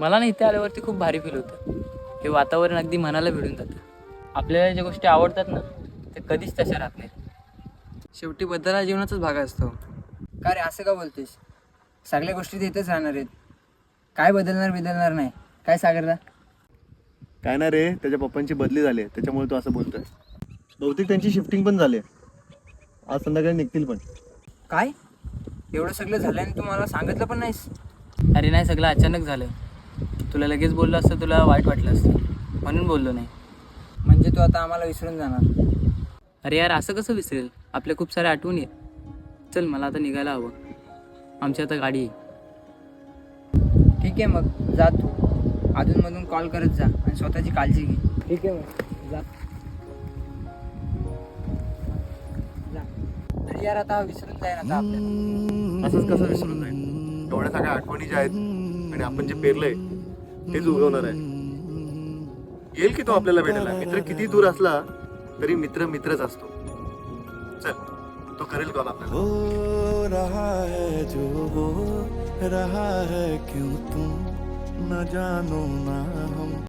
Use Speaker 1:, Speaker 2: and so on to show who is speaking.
Speaker 1: मला ना इथे आल्यावरती खूप भारी फील होतं. हे वातावरण अगदी मनाला भिडून जातं. आपल्याला ज्या गोष्टी आवडतात ना ते कधीच तशा राहत नाहीत.
Speaker 2: शेवटी बदल हा जीवनाचाच भाग असतो. का रे असं का बोलतेस? सगळ्या गोष्टी तर इथेच राहणार आहेत. काय बदलणार नाही. काय सागरदा?
Speaker 3: काय ना रे, त्याच्या पप्पांची बदली झाली त्याच्यामुळे तो असं बोलतोय. बहुतेक त्यांची शिफ्टिंग पण झाली. आज संध्याकाळी निघतील पण.
Speaker 2: काय एवढं सगळं झालं आणि तू मला सांगितलं पण नाहीस?
Speaker 1: अरे नाही, सगळं अचानक झालं. तुला लगेच बोललो असतं तुला वाईट वाटलं असतं, म्हणून बोललो नाही.
Speaker 2: म्हणजे तू आता आम्हाला विसरून जाणार?
Speaker 1: अरे यार, असं कसं विसरेल? आपल्या खूप साऱ्या आठवणी आहेत. चल, मला आता निघायला हवं. आमची आता गाडी आहे.
Speaker 2: ठीक आहे मग जा तू. अधूनमधून कॉल करत जा आणि स्वतःची काळजी घे. ठीक आहे मग जा. अरे यार आता विसरून जाईन आता आपल्याला.
Speaker 3: असंच कसं विसरून जाईल? एवढ्या सगळ्या आठवणी ज्या आहेत आणि आपण जे पेरलंय तेच उगवणार आहे. येईल की तो आपल्याला भेटायला. मित्र किती दूर असला तरी मित्र मित्रच असतो. चल, तो करेल कॉल आपल्याला.
Speaker 4: हो रहा है जो हो रहा है, क्यों तुम न जानो ना हम.